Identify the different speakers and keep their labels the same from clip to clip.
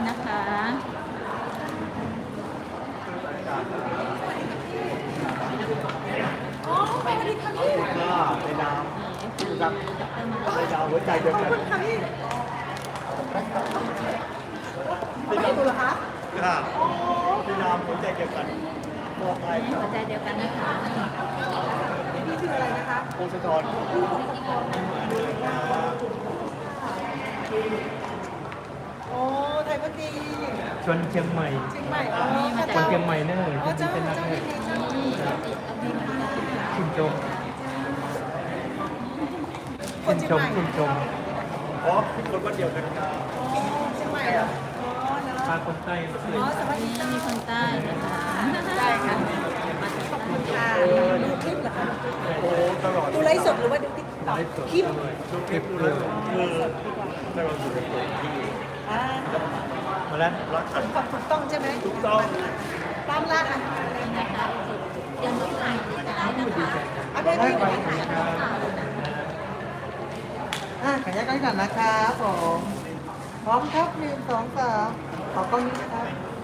Speaker 1: นะคะ
Speaker 2: อ๋อสวัสดีค่ะพี่
Speaker 3: ในดาวครับในดาวหัวใจเดียวกัน
Speaker 2: ค่ะพี่ไม่เห็นตัวเหรอคะ
Speaker 3: ค่ะในดาวหัวใจเดียวกันบอกไป
Speaker 1: หัวใจเดียวกันนะคะ
Speaker 2: นี่คืออะไรนะคะ
Speaker 3: โพสต์ทอน
Speaker 2: โอ้ไทยพักดี
Speaker 4: ชวนเชียงใหม่
Speaker 2: เชียงใหม่อ๋อ
Speaker 4: คนเชียงใหม่เนอะ
Speaker 2: อ๋อเจ้า
Speaker 4: เป็นนัก
Speaker 2: เจ้า
Speaker 4: เน
Speaker 2: ดี
Speaker 4: อะ
Speaker 2: เจ้าดี
Speaker 4: คุณชม
Speaker 2: ค
Speaker 4: คุ
Speaker 2: น
Speaker 4: ณ
Speaker 2: เชียง
Speaker 4: ชม
Speaker 2: ใหม่
Speaker 4: คุณชม
Speaker 3: อ๋อคนวันเดียวกันครับ
Speaker 2: อ๋อเชียงใหม่เหรออ๋อเนาะ
Speaker 4: พาคนใต้มาเลย
Speaker 2: อ๋อสวัสดี
Speaker 1: นี่
Speaker 2: จ้า
Speaker 1: มีคนใต้นะคะ
Speaker 2: ได้ค่ะขอบคุณค่ะดูคลิปเหรอคะ
Speaker 3: โอ้ตลอด
Speaker 2: ดูไลฟ์สดหรือว่าดูติ๊กต็อกคลิป
Speaker 3: ดูคลิปดูแล้วคือตลอดอยู่ในตัวที่
Speaker 2: อ่า
Speaker 4: มาแล้ว
Speaker 3: รักกัน
Speaker 2: ความถูกต้องใช่ไหม
Speaker 3: ถูกต้อง
Speaker 2: ตามร้านอ่ะ
Speaker 1: นะคะเตรียมรูปถ่ายที่จะได้นะคะ
Speaker 2: เอาไปที่ไหนคะ
Speaker 5: ขออนุญาตกันก่อนนะครับผมพร้อมครับ1 2 3ขอกล้องนี้นะครับ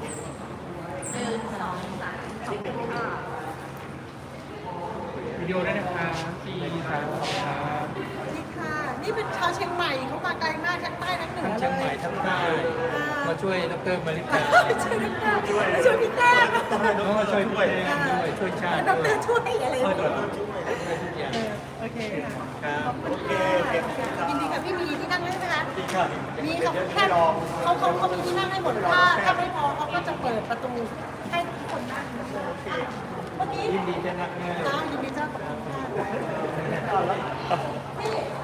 Speaker 4: วิดีโอได้นะครับ4 3 2ครับ
Speaker 2: นี่ค่ะ นี่เป็นชาวเชียงใหม่เขามาไกลมากทั้งใต้ทั้งเหนือ
Speaker 4: ทั้ง
Speaker 2: เลย
Speaker 4: เชียงใหม่ทั้งใต้มาช่วยดรมาริกา
Speaker 2: ช่วยพี่แต้มช่วยพี่แต้ม
Speaker 4: น้องมาช่วยพี่แดงด้วยช่วยชาติ
Speaker 2: ด
Speaker 4: ด้วย
Speaker 2: รช่วยอะไร
Speaker 4: ช่วย
Speaker 2: เนี่ย
Speaker 4: ทุกอย่าง
Speaker 2: โอเคค่ะ
Speaker 4: ครับ
Speaker 3: โอเคเก็บครับ
Speaker 2: ยินดีค่ะพี่มีที่นั่งให้ไหมคะ
Speaker 3: ดีค่ะ
Speaker 2: มีเขาแค่เขามีที่นั่งให้หมดถ้าไม่พอเขาก็จะเปิดประตูให้ทุกคนนั่งหมดเลยเมื่อกี้
Speaker 4: ยินดีจะนักงาน
Speaker 2: จ้ายินดีจ้าขอบคุณค่ะพี่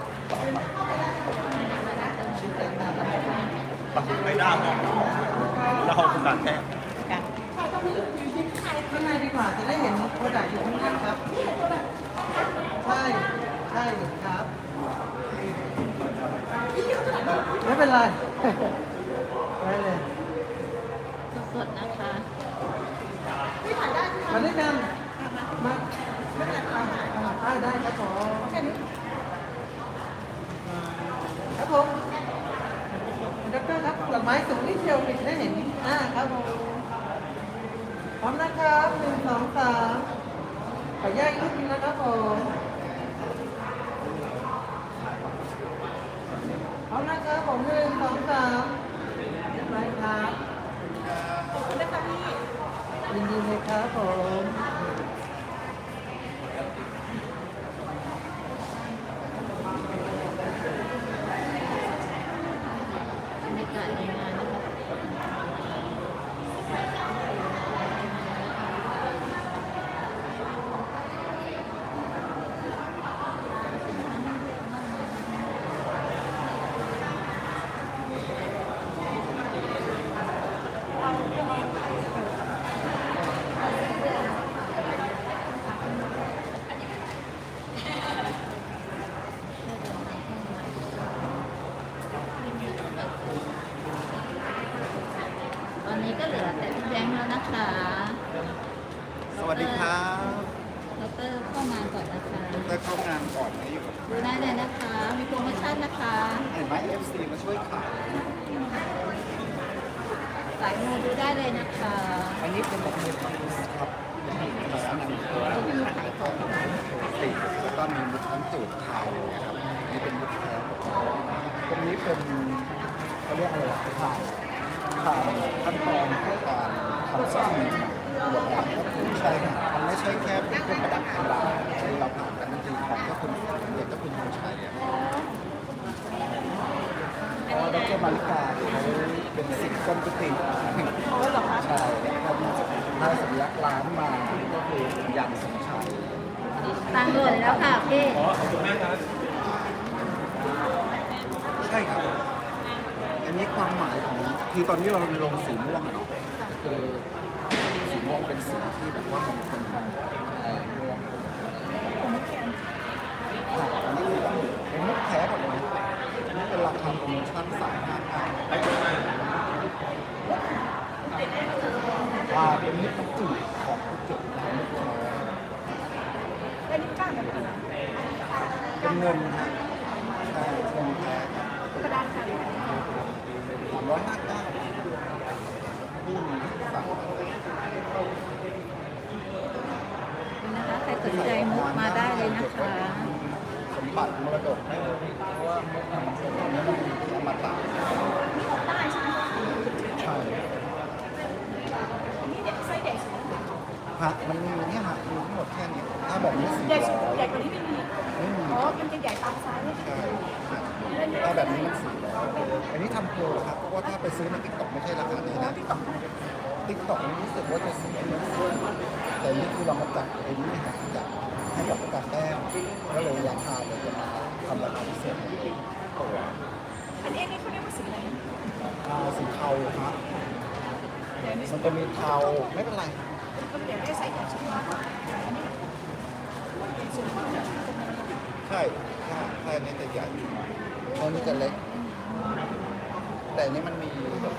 Speaker 3: ปักไม่ได้ครับแล้วเขาประกาศแค่
Speaker 2: ใครต้องมีอยู่ที่ใคร
Speaker 5: ข้างในดีกว่าจะได้เห็นโปรดักต์อยู่ข้างในครับ ใช่ใช่ครับ ไม่เป็นไรได้เลย
Speaker 1: สดๆนะคะ
Speaker 2: พี่ถ่ายได้ไหม
Speaker 5: มาด้วยกันมา
Speaker 2: ไม่เป็นไรค่ะถ่าย
Speaker 5: ได้ครับผม
Speaker 2: แค่นี้
Speaker 5: ครับผมดรครับดอกไม้สูงนิดเดียวปิดได้เห็นครับผมพร้อมนะครับ1 2 3ขอแยกรูปนี้นะครับผมพร้อมนะครับผม1 2 3ไปครับ
Speaker 2: ขอบคุณนะคะพี่
Speaker 5: ยินดีเลยครับผม
Speaker 1: บรรยากาศในงานนะคะ ตอนนี้ก็เหลือแต่พี่แบงค์แล้วนะคะ
Speaker 3: สวัสดีครับ
Speaker 1: ดรเข้างานก่อนนะคะ
Speaker 3: ได้เข้างานก่อนนะอยู่กับ
Speaker 1: ดูได้เลยนะคะ มีโปรโมชั่นนะคะ
Speaker 3: เห็นไหม FC มาช่วยขาย
Speaker 1: สายมูดูได้เลยนะคะ
Speaker 3: อันนี้เป็นแบบมือของครับเป็นมือของอันนี้
Speaker 1: ก็มีขายของ
Speaker 3: ติดแล้วก็มีมุดทั้งสูตรไทยนะครับนี่เป็นมุดแท้ตรงนี้เป็นเขาเรียกอะไรล่ะผ่านขั้นตอนในการทำซ่อมบทบาทก็คือใช่ครับมันไม่ใช่แค่เป็นเครื่องประดับธรรมดาที่เราผ่านกันจริงๆของก็คุณเด็กก็คุณผู้ชายอะเพราะว่าดรมาริกาเขาเป็นศิษย์ก้นกุฏิ
Speaker 2: อ๋อเหรอคะ
Speaker 3: ใช่แล้วก็ได้สัญลักษณ์ร้านมาก็คือยันสมชัย
Speaker 1: ตังค์หล่นแล้วค่ะพี่
Speaker 4: ขอขอบคุณมากครับ
Speaker 3: ใช่ครับ อันนี้ความหมายของคือตอนนี้เราลงสีม่วงอะเนาะคือสีม่วงเป็นสีที่แบบว่ามงคลม่วงอันนี้คือเป็นมุกแท้หมดเลยอันนี้เป็นราคาโปรโมชั่น359เป็นมุกกระจุกของกระจุกของมุกแท้
Speaker 2: เป็นก้านแบบไหน
Speaker 3: เป็นเงินฮะใช่เงินแท้
Speaker 2: กระดานค่ะ
Speaker 3: 359 สั่ง
Speaker 1: นะคะใครสนใจมุกมาได้เลยนะคะ
Speaker 3: สมบัติมรดกได้เลยเพราะว่ามุกมันเป็นเนื้อมันมีอมตะ
Speaker 2: นี่ออกได้ใช่ไหม
Speaker 3: ใช่
Speaker 2: นี่เด็กไส้เด็ก
Speaker 3: ฮะมันมีเนี่ยฮะมีทั้งหมดแค่นี้ถ้าแบบนี้400
Speaker 2: ใหญ่กว่านี้ไม่มี
Speaker 3: ไม่มี
Speaker 2: อ๋อมันจะใหญ่ตามไซส์
Speaker 3: ใช่ถ้าแบบนี้มัน400อันนี้ทำโปรครับเพราะว่าถ้าไปซื้อในติ๊กต็อกไม่ใช่ราคานี้นะ
Speaker 2: ที่ต่อ
Speaker 3: ติ๊กต็อกนี้รู้สึกว่าจะ400แต่นี่คือเรามาจัดไอ้นี่ฮะจัดให้กับประกาศแต้มก็เลยราคาเลยจะมาทำราคาพิเศษตัว
Speaker 2: อันนี้เขาเรียกว่าสีอะไร
Speaker 3: สีเทาครับมันจะมีเทาไม่เป็นไร
Speaker 2: ก็เดี๋ยวได้ใส่ใช่ไหม
Speaker 3: ใช่ใช่ใช่อันนี้จะใหญ่อันนี้จะเล็ก แต่อันนี้มันมีแบบ